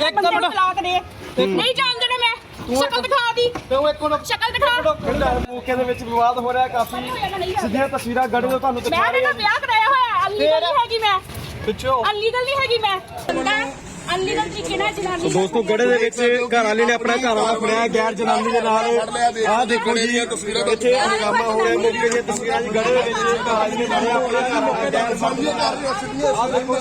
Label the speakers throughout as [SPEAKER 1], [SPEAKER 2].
[SPEAKER 1] ਬੰਦੇ ਨੂੰ ਤਲਾਕ ਦੇ ਨਹੀਂ ਜਾਣਦੇ ਨੇ ਮੈਂ ਸ਼ਕਲ ਦਿਖਾ ਦੀ
[SPEAKER 2] ਤੂੰ ਇੱਕ ਮਿੰਟ
[SPEAKER 1] ਸ਼ਕਲ ਦਿਖਾ
[SPEAKER 2] ਮੌਕੇ ਦੇ ਵਿੱਚ ਵਿਵਾਦ ਹੋ ਰਿਹਾ ਕਾਫੀ ਸਿੱਧੀਆਂ ਤਸਵੀਰਾਂ ਗੜੇ ਤੋਂ ਤੁਹਾਨੂੰ ਦਿਖਾ
[SPEAKER 1] ਮੈਂ ਤਾਂ ਵਿਆਹ ਕਰਾਇਆ ਹੋਇਆ ਅਨਲੀਗਲ ਨਹੀਂ ਹੈਗੀ ਮੈਂ
[SPEAKER 2] ਪਿੱਛੋਂ
[SPEAKER 1] ਅਨਲੀਗਲ ਨਹੀਂ ਹੈਗੀ ਮੈਂ ਅਨਲੀਗਲ ਤਰੀਕੇ ਨਾਲ ਜਨਾਨੀ
[SPEAKER 2] ਦੋਸਤੋ ਗੜੇ ਦੇ ਵਿੱਚ ਘਰ ਵਾਲੇ ਨੇ ਆਪਣਾ ਘਰ ਵਾਲਾ ਫੜਿਆ ਗੈਰ ਜਨਾਨੀ ਦੇ ਨਾਲ ਆਹ ਦੇਖੋ ਜੀ ਇੱਥੇ ਹੰਗਾਮਾ ਹੋ ਰਿਹਾ ਮੌਕੇ ਦੀਆਂ ਤਸਵੀਰਾਂ ਜੀ ਗੜੇ ਦੇ ਵਿੱਚ ਘਰ ਵਾਲੇ ਨੇ ਫੜਿਆ ਆਪਣਾ ਘਰ ਵਾਲਾ ਗੈਰ ਆਹ ਦੇਖੋ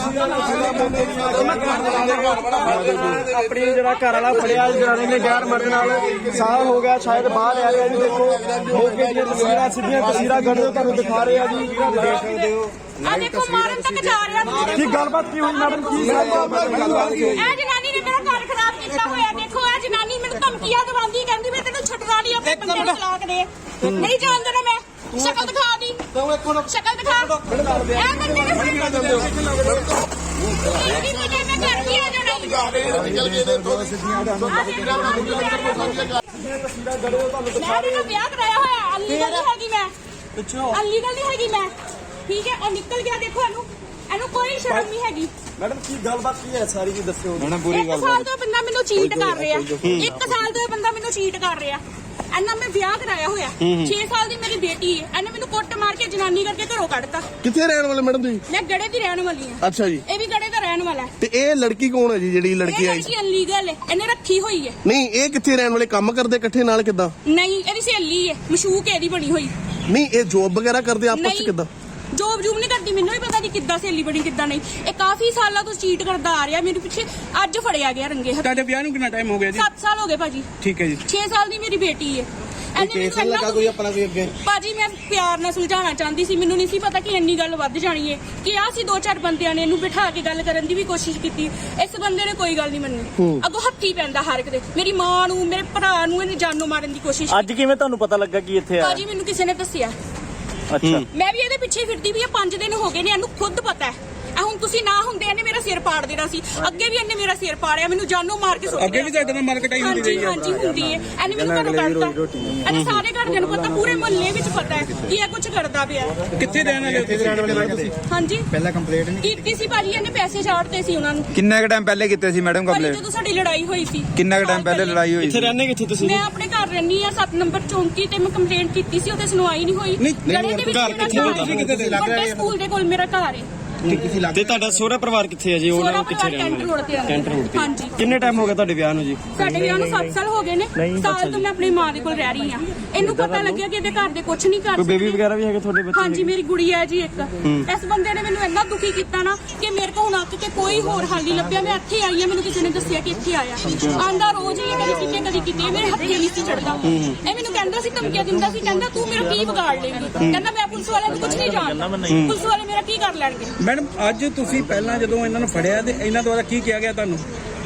[SPEAKER 2] ਆਪਣੀ ਜਿਹੜਾ ਘਰ ਵਾਲਾ ਫੜਿਆ ਜਨਾਨੀ ਨੇ ਗੈਰ ਮਰਦ ਨਾਲ ਸਾਹ ਹੋ ਗਿਆ ਸ਼ਾਇਦ ਬਾਹਰ ਆ ਗਿਆ ਜੀ ਦੇਖੋ ਮੌਕੇ ਦੀਆਂ ਤਸਵੀਰਾਂ ਸਿੱਧੀਆਂ ਤਸਵੀਰਾਂ ਗੜੇ ਤੋਂ ਤੁਹਾਨੂੰ ਦਿਖਾ ਰਹੇ ਆ ਜੀ ਦੇਖ ਸਕਦੇ ਹੋ
[SPEAKER 1] ਆ ਦੇਖੋ ਮਾਰਨ ਤੱਕ ਜਾ ਰਿਹਾ
[SPEAKER 2] ਕੀ ਗੱਲਬਾਤ ਕੀ ਹੋਈ ਮੈਡਮ ਕੀ ਗੱਲਬਾਤ
[SPEAKER 1] ਇਹ ਜਨਾਨੀ ਨੇ ਮੇਰਾ ਘਰ ਖਰਾਬ ਕੀਤਾ ਹੋਇਆ ਦੇਖੋ ਇਹ ਜਨਾਨੀ ਮੈਨੂੰ ਧਮਕੀਆਂ ਦਵਾਉਂਦੀ ਕਹਿੰਦੀ ਮੈਂ ਤੈਨੂੰ ਛੱਡਣਾ ਨਹੀਂ ਆਪਣੇ ਬੰਦੇ ਨੂੰ ਤਲਾਕ ਦੇ ਨਹੀਂ ਜਾਣਦਾ ਨਾ ਮੈਂ ਸ਼ਕਲ ਦਿਖਾ ਦੀ ਸ਼ਕਲ ਦਿਖਾ ਇਹ ਬੰਦੇ ਨੇ ਇਹ ਮੈਂ ਘਰ ਕੀ ਆ ਜਾਣਾ
[SPEAKER 3] ਨਿਕਲ ਗਏ ਨੇ ਦੋ
[SPEAKER 1] ਮੈਂ ਤਾਂ ਵਿਆਹ ਕਰਾਇਆ ਹੋਇਆ ਅਨਲੀਗਲ ਨਹੀਂ ਹੈਗੀ ਮੈਂ ਅਨਲੀਗਲ ਨਹੀਂ ਹੈਗੀ ਮੈਂ ਠੀਕ ਹੈ ਉਹ ਨਿਕਲ ਗਿਆ ਦੇਖੋ ਇਹਨੂੰ ਕੋਈ ਸ਼ਰਮ ਨਹੀਂ ਹੈਗੀ
[SPEAKER 2] ਮੈਡਮ ਕੀ ਗੱਲਬਾਤ ਕੀ ਹੈ ਸਾਰੀ ਜੀ ਦੱਸਿਓ ਮੈਡਮ
[SPEAKER 1] ਇੱਕ ਸਾਲ ਤੋਂ ਬੰਦਾ ਮੈਨੂੰ ਚੀਟ ਕਰ ਰਿਹਾ ਇੱਕ ਸਾਲ ਤੋਂ ਇਹ ਬੰਦਾ ਮੈਨੂੰ ਚੀਟ ਕਰ ਰਿਹਾ ਇਹਨਾਂ ਮੈਂ ਵਿਆਹ ਕਰਾਇਆ ਹੋਇਆ 6 ਸਾਲ ਦੀ ਮੇਰੀ ਬੇਟੀ ਹੈ ਇਹਨੇ ਮੈਨੂੰ ਕੁੱਟ ਮਾਰ ਕੇ ਜਨਾਨੀ ਕਰਕੇ ਘਰੋਂ ਕੱਢਤਾ
[SPEAKER 3] ਕਿੱਥੇ ਰਹਿਣ ਵਾਲੇ ਮੈਡਮ ਤੁਸੀਂ?
[SPEAKER 1] ਮੈਂ ਗੜੇ ਦੀ ਰਹਿਣ ਵਾਲੀ ਹਾਂ
[SPEAKER 3] ਅੱਛਾ ਜੀ।
[SPEAKER 1] ਇਹ ਵੀ ਗੜੇ ਦਾ ਰਹਿਣ ਵਾਲਾ ਹੈ
[SPEAKER 3] ਤੇ ਇਹ ਲੜਕੀ ਕੌਣ ਹੈ ਜੀ ਜਿਹੜੀ ਲੜਕੀ ਆਈ?
[SPEAKER 1] ਇਹ ਅਨਲੀਗਲ ਹੈ ਇਹਨੇ ਰੱਖੀ ਹੋਈ ਹੈ
[SPEAKER 3] ਨਹੀਂ ਇਹ ਕਿੱਥੇ ਰਹਿਣ ਵਾਲੇ ਕੰਮ ਕਰਦੇ ਇਕੱਠੇ ਨਾਲ ਕਿੱਦਾਂ?
[SPEAKER 1] ਨਹੀਂ ਇਹਦੀ ਸਹੇਲੀ ਹੈ ਮਸ਼ੂਕ ਇਹਦੀ ਬਣੀ ਹੋਈ
[SPEAKER 3] ਨਹੀਂ ਇਹ ਜੋਬ ਵਗੈਰਾ ਕਰਦੇ ਆਪਸ ਚ ਕਿੱਦਾਂ?
[SPEAKER 1] ਜੋਬ ਨਹੀਂ ਕਰਦੀ ਮੈਨੂੰ ਵੀ ਪਤਾ ਨਹੀਂ ਕਿੱਦਾਂ ਸਹੇਲੀ ਬਣੀ ਕਿੱਦਾਂ ਨਹੀਂ ਇਹ ਕਾਫੀ ਸਾਲਾਂ ਤੋਂ ਚੀਟ ਕਰਦਾ ਆ ਰਿਹਾ ਮੇਰੇ ਪਿੱਛੇ ਅੱਜ ਫੜਿਆ ਗਿਆ ਰੰਗੇ ਹੱਥ।
[SPEAKER 4] ਤੁਹਾਡੇ ਵਿਆਹ ਨੂੰ ਕਿੰਨਾ ਟਾਈਮ ਹੋ ਗਿਆ ਜੀ?
[SPEAKER 1] 7 ਸਾਲ ਹੋ ਗਏ ਭਾਜੀ।
[SPEAKER 4] ਠੀਕ ਹੈ ਜੀ।
[SPEAKER 1] 6 ਸਾਲ ਦੀ ਮੇਰੀ ਬੇਟੀ ਹੈ
[SPEAKER 3] ਕੋਈ ਆਪਣਾ ਕੋਈ ਅੱਗੇ
[SPEAKER 1] ਭਾਜੀ ਮੈਂ ਪਿਆਰ ਨਾਲ ਸੁਲਝਾਉਣਾ ਚਾਹੁੰਦੀ ਸੀ ਮੈਨੂੰ ਨਹੀਂ ਸੀ ਪਤਾ ਕਿ ਇੰਨੀ ਗੱਲ ਵੱਧ ਜਾਣੀ ਹੈ ਕਿ ਆ ਸੀ 2-4 ਬੰਦਿਆਂ ਨੇ ਇਹਨੂੰ ਬਿਠਾ ਕੇ ਗੱਲ ਕਰਨ ਦੀ ਵੀ ਕੋਸ਼ਿਸ਼ ਕੀਤੀ ਇਸ ਬੰਦੇ ਨੇ ਕੋਈ ਗੱਲ ਨਹੀਂ ਮੰਨੀ ਅੱਗੋਂ ਹੱਥੀ ਪੈਂਦਾ ਹਰ ਇੱਕ ਦੇ ਮੇਰੀ ਮਾਂ ਨੂੰ ਮੇਰੇ ਭਰਾ ਨੂੰ ਇਹਨੇ ਜਾਨੋਂ ਮਾਰਨ ਦੀ ਕੋਸ਼ਿਸ਼
[SPEAKER 2] ਅੱਜ ਕਿਵੇਂ ਤੁਹਾਨੂੰ ਪਤਾ ਲੱਗਾ ਕਿ ਇੱਥੇ ਆ
[SPEAKER 1] ਭਾਜੀ ਮੈਨੂੰ ਕਿਸੇ ਨੇ ਦੱਸਿਆ
[SPEAKER 2] ਅੱਛਾ
[SPEAKER 1] ਮੈਂ ਵੀ ਇਹਦੇ ਪਿੱਛੇ ਫਿਰਦੀ ਵੀ 5 ਦਿਨ ਹੋ ਗਏ ਨੇ ਇਹਨੂੰ ਖੁਦ ਪਤਾ ਹੈ ਹੁਣ ਤੁਸੀਂ ਨਾ ਹੁੰਦੇ ਇਹਨੇ ਮੇਰਾ ਸਿਰ ਪਾੜ ਦੇਣਾ ਸੀ ਅੱਗੇ ਵੀ ਇਹਨੇ ਮੇਰਾ ਸਿਰ ਪਾੜਿਆ ਮੈਨੂੰ ਜਾਨੋਂ ਮਾਰ ਕੇ ਸੁੱਟ
[SPEAKER 4] ਅੱਗੇ ਵੀ ਤੁਹਾਡੇ ਨਾਲ ਮਾਰਕਟਾਈ ਹੁੰਦੀ ਰਹੀ ਹੈ?
[SPEAKER 1] ਹਾਂਜੀ ਹੁੰਦੀ ਹੈ ਇਹਨੇ ਮੈਨੂੰ ਘਰੋਂ ਕੱਢਤਾ ਇਹਨੇ ਸਾਰੇ ਘਰਦਿਆਂ ਨੂੰ ਪਤਾ ਪੂਰੇ ਮੁਹੱਲੇ ਵਿੱਚ ਪਤਾ ਹੈ ਕਿ ਇਹ ਕੁਝ ਕਰਦਾ ਪਿਆ
[SPEAKER 4] ਕਿੱਥੇ ਰਹਿਣ ਵਾਲੇ?
[SPEAKER 1] ਹਾਂਜੀ
[SPEAKER 5] ਪਹਿਲਾਂ ਕੰਪਲੇਂਟ ਨਹੀਂ
[SPEAKER 1] ਕੀਤੀ ਸੀ ਭਾਜੀ ਇਹਨੇ ਪੈਸੇ ਛਾੜਤੇ ਸੀ ਉਹਨਾਂ ਨੂੰ
[SPEAKER 5] ਕਿੰਨਾ ਕੁ ਟਾਈਮ ਪਹਿਲੇ ਕੀਤੇ ਸੀ ਮੈਡਮ
[SPEAKER 1] ਭਾਜੀ
[SPEAKER 5] ਕੰਪਲੇਂਟ?
[SPEAKER 1] ਜਦੋਂ ਸਾਡੀ ਲੜਾਈ ਹੋਈ ਸੀ
[SPEAKER 5] ਕਿੰਨਾ ਕੁ ਟਾਈਮ ਪਹਿਲੇ ਲੜਾਈ ਹੋਈ
[SPEAKER 2] ਇੱਥੇ
[SPEAKER 5] ਸੀ?
[SPEAKER 2] ਰਹਿੰਦੇ ਕਿੱਥੇ ਤੁਸੀਂ
[SPEAKER 1] ਮੈਂ ਆਪਣੇ ਘਰ ਰਹਿੰਦੀ ਆ 7 ਨੰਬਰ ਚੌਂਕੀ ਤੇ ਮੈਂ ਕੰਪਲੇਂਟ ਕੀਤੀ ਸੀ ਉਹਦੇ ਸੁਣਵਾਈ ਨਹੀਂ ਹੋਈ ਗੜੇ ਦੇ ਵਿੱਚ
[SPEAKER 2] ਘਰ ਕਿੱਥੇ
[SPEAKER 1] ਮੇਰਾ
[SPEAKER 2] ਤੁਸੀਂ
[SPEAKER 1] ਘਰ
[SPEAKER 2] ਕਿੱਥੇ
[SPEAKER 1] ਹੈ। ਵੱਡੇ ਸਕੂਲ ਦੇ ਕੋਲ ਮੇਰਾ ਘਰ ਹੈ
[SPEAKER 2] ਤੇ ਤੁਹਾਡਾ ਸਹੁਰਾ ਪਰਿਵਾਰ ਕਿੱਥੇ ਹੈ ਜੀ ਉਹਨਾਂ ਨੂੰ ਕਿੱਥੇ ਰਹਿੰਦੇ
[SPEAKER 1] ਕੈਂਟ ਰੋਡ ਤੇ
[SPEAKER 2] ਕੈਂਟ ਰੋਡ ਤੇ
[SPEAKER 1] ਹਾਂਜੀ
[SPEAKER 2] ਕਿੰਨੇ ਟਾਈਮ ਹੋ ਗਿਆ ਤੁਹਾਡੇ ਵਿਆਹ ਨੂੰ ਜੀ?
[SPEAKER 1] ਸਾਡੇ ਵਿਆਹ ਨੂੰ 7 ਸਾਲ ਹੋ ਗਏ ਨੇ ਸਾਲ ਤੋਂ ਮੈਂ ਆਪਣੀ ਮਾਂ ਦੇ ਕੋਲ ਰਹਿ ਰਹੀ ਹਾਂ ਇਹਨੂੰ ਪਤਾ ਲੱਗਿਆ ਕਿ ਇਹਦੇ ਘਰ ਦੇ ਕੁਝ ਨਹੀਂ ਕਰ
[SPEAKER 2] ਕੋਈ ਬੇਬੀ ਵਗੈਰਾ ਵੀ ਹੈਗੇ ਤੁਹਾਡੇ ਬੱਚੇ?
[SPEAKER 1] ਹਾਂਜੀ ਮੇਰੀ ਗੁੜੀ ਹੈ ਜੀ ਇੱਕ ਇਸ ਬੰਦੇ ਨੇ ਮੈਨੂੰ ਇੰਨਾ ਦੁਖੀ ਕੀਤਾ ਨਾ ਕਿ ਮੇਰੇ ਕੋਲ ਹੁਣ ਆ ਕੇ ਕੋਈ ਹੋਰ ਹੱਲ ਨਹੀਂ ਲੱਭਿਆ ਮੈਂ ਇੱਥੇ ਆਈ ਹਾਂ ਮੈਨੂੰ ਕਿਸੇ ਨੇ ਦੱਸਿਆ ਕਿ ਇੱਥੇ ਆਇਆ ਆਂਦਾ ਰੋਜ਼ ਹੀ ਕਦੀ ਕਿਤੇ ਮੇਰੇ ਹੱਥੇ ਨਹੀਂ ਸੀ ਚੜਦਾ ਇਹ ਮੈਨੂੰ ਕਹਿੰਦਾ ਸੀ ਧਮਕੀਆਂ ਦਿੰਦਾ ਸੀ ਕਹਿੰਦਾ ਤੂੰ ਮੇਰਾ ਕੀ ਵਿਗਾੜ ਲੇਂਗੀ ਕਹਿੰਦਾ ਮੈਂ ਪੁਲਿਸ ਵਾਲਿਆਂ ਨੂੰ ਕੁਝ ਨਹੀਂ ਜਾਣਦਾ ਪੁਲਿਸ ਵਾਲੇ ਮੇਰਾ ਕੀ ਕਰ ਲੈਣਗੇ
[SPEAKER 4] ਮੈਡਮ ਅੱਜ ਤੁਸੀਂ ਪਹਿਲਾਂ ਜਦੋਂ ਇਹਨਾਂ ਨੂੰ ਫੜਿਆ ਤੇ ਇਹਨਾਂ ਦੁਆਰਾ ਕੀ ਕਿਹਾ ਗਿਆ ਤੁਹਾਨੂੰ?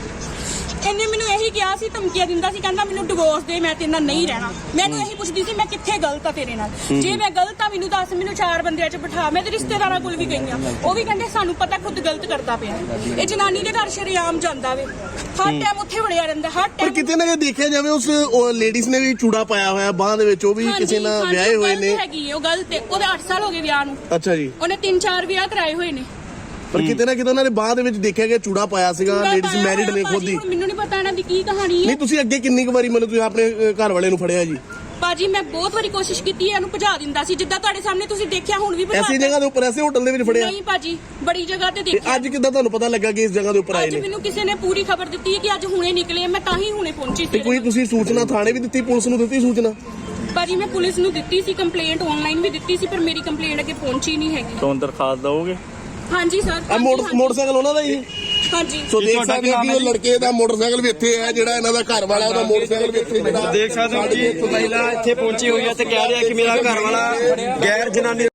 [SPEAKER 1] ਇਹਨੇ ਮੈਨੂੰ ਇਹੀ ਕਿਹਾ ਸੀ ਧਮਕੀਆਂ ਦਿੰਦਾ ਸੀ ਕਹਿੰਦਾ ਮੈਨੂੰ ਡਿਵੋਰਸ ਦੇ ਮੈਂ ਤੇਰੇ ਨਾਲ ਨਹੀਂ ਰਹਿਣਾ ਮੈਨੂੰ ਇਹੀ ਪੁੱਛਦੀ ਸੀ ਮੈਂ ਕਿੱਥੇ ਗਲਤ ਆ ਤੇਰੇ ਨਾਲ ਜੇ ਮੈਂ ਗਲਤ ਆ ਮੈਨੂੰ ਦੱਸ ਮੈਨੂੰ 4 ਬੰਦਿਆਂ 'ਚ ਬਿਠਾ ਮੈਂ ਤੇ ਰਿਸ਼ਤੇਦਾਰਾਂ ਕੋਲ ਵੀ ਗਈ ਆ ਉਹ ਵੀ ਕਹਿੰਦੇ ਸਾਨੂੰ ਪਤਾ ਖੁਦ ਗਲਤ ਕਰਦਾ ਪਿਆ ਇਹ ਜਨਾਨੀ ਦੇ ਘਰ ਸ਼ਰੇਆਮ ਜਾਂਦਾ ਵੇ ਹਰ ਟਾਈਮ ਉੱਥੇ ਵੜਿਆ ਰਹਿੰਦਾ ਹਰ
[SPEAKER 3] ਪਰ
[SPEAKER 1] ਟਾਈਮ
[SPEAKER 3] ਕਿਤੇ ਨਾ ਕਿਤੇ ਦੇਖਿਆ ਜਾਵੇ ਉਸ ਲੇਡੀਜ਼ ਨੇ ਵੀ ਚੂੜਾ ਪਾਇਆ ਹੋਇਆ ਬਾਹ ਦੇ ਵਿੱਚ ਉਹ ਵੀ ਕਿਸੇ ਨਾਲ ਵਿਆਹੇ ਹੋਏ ਨੇ
[SPEAKER 1] ਹੈਗੀ ਉਹ ਗਲਤ ਹੈ ਉਹਦੇ 8 ਸਾਲ ਹੋ ਗਏ ਵਿਆਹ ਨੂੰ
[SPEAKER 3] ਅੱਛਾ ਜੀ
[SPEAKER 1] ਉਹਨੇ 3-4 ਵਿਆਹ ਕਰਾਏ ਹੋਏ ਨੇ
[SPEAKER 3] ਪਰ ਕਿਤੇ ਨਾ ਕਿਤੇ ਉਹਨਾਂ ਨੇ ਬਾਹ ਦੇ ਵਿੱਚ ਦੇਖਿਆ ਗਿਆ ਚੂੜਾ ਪਾਇਆ ਸੀਗਾ ਲੇਡੀਜ਼ ਮੈਰਿਡ ਨੇ ਖੁਦ ਹੀ
[SPEAKER 1] ਮੈਨੂੰ ਨਹੀਂ ਪਤਾ ਇਹਨਾਂ ਦੀ ਕੀ ਕਹਾਣੀ ਹੈ
[SPEAKER 3] ਨਹੀਂ ਤੁਸੀਂ ਅੱਗੇ ਕਿੰਨੀ ਕੁ ਵਾਰੀ ਮੈਨੂੰ ਤੁਸੀਂ ਆਪਣੇ ਘਰ ਵਾਲੇ ਨੂੰ ਫੜਿਆ ਜੀ?
[SPEAKER 1] ਬਾਜੀ ਮੈਂ ਬਹੁਤ ਵਾਰੀ ਕੋਸ਼ਿਸ਼ ਕੀਤੀ ਹੈ ਇਹਨੂੰ ਭਜਾ ਦਿੰਦਾ ਸੀ ਜਿੱਦਾਂ ਤੁਹਾਡੇ ਸਾਹਮਣੇ ਤੁਸੀਂ ਦੇਖਿਆ ਹੁਣ ਵੀ
[SPEAKER 3] ਐਸੀ ਜਗ੍ਹਾ ਦੇ ਉੱਪਰ ਐਸੇ ਹੋਟਲ ਦੇ ਵਿੱਚ ਫੜਿਆ?
[SPEAKER 1] ਨਹੀਂ ਬਾਜੀ ਬੜੀ ਜਗ੍ਹਾ ਤੇ
[SPEAKER 3] ਤੇ
[SPEAKER 1] ਦੇਖਿਆ
[SPEAKER 3] ਅੱਜ ਕਿੱਦਾਂ ਤੁਹਾਨੂੰ ਪਤਾ ਲੱਗਾ ਕਿ ਇਸ ਜਗ੍ਹਾ ਦੇ ਉੱਪਰ ਆਏ
[SPEAKER 1] ਅੱਜ
[SPEAKER 3] ਨੇ?
[SPEAKER 1] ਮੈਨੂੰ ਕਿਸੇ ਨੇ ਪੂਰੀ ਖਬਰ ਦਿੱਤੀ ਹੈ ਕਿ ਅੱਜ ਹੁਣੇ ਨਿਕਲੇ ਮੈਂ ਤਾਂ ਹੀ ਹੁਣੇ ਪਹੁੰਚੀ
[SPEAKER 3] ਤੇ
[SPEAKER 1] ਸੀ
[SPEAKER 3] ਕੋਈ ਤੁਸੀਂ ਸੂਚਨਾ ਥਾਣੇ ਵੀ ਦਿੱਤੀ ਪੁਲਿਸ ਨੂੰ ਦਿੱਤੀ ਸੂਚਨਾ?
[SPEAKER 1] ਬਾਜੀ ਮੈਂ ਪੁਲਿਸ ਨੂੰ ਦਿੱਤੀ ਸੀ ਕੰਪਲੇਂਟ ਆਨਲਾਈਨ ਵੀ ਦਿੱਤੀ ਸੀ ਪਰ ਮੇਰੀ ਕੰਪਲੇਂਟ ਅੱਗੇ ਪਹੁੰਚੀ ਨਹੀਂ ਹੈਗੀ
[SPEAKER 2] ਤੋਂ ਦਰਖਾਸਤ ਦਓਗੇ?
[SPEAKER 1] ਹਾਂਜੀ ਸਰ
[SPEAKER 3] ਆ ਮੋਟਰਸਾਈਕਲ ਉਹਨਾਂ ਦਾ ਹੀ?
[SPEAKER 1] ਹਾਂਜੀ
[SPEAKER 3] ਸੋ ਦੇਖ ਸਕਦੇ ਹੋ ਕਿ ਉਹ ਲੜਕੇ ਦਾ ਮੋਟਰਸਾਈਕਲ ਵੀ ਇੱਥੇ ਹੈ ਜਿਹੜਾ ਇਹਨਾਂ ਦਾ ਘਰ ਵਾਲਾ ਉਹਦਾ ਮੋਟਰਸਾਈਕਲ ਵੀ ਇੱਥੇ ਜਿਹੜਾ
[SPEAKER 2] ਦੇਖ ਸਕਦੇ ਹੋ ਜੀ ਮਹਿਲਾ ਇੱਥੇ ਪਹੁੰਚੀ ਹੋਈ ਹੈ ਤੇ ਕਹਿ ਰਿਹਾ ਕਿ ਮੇਰਾ ਘਰ ਵਾਲਾ ਗੈਰ ਜਨਾਨੀ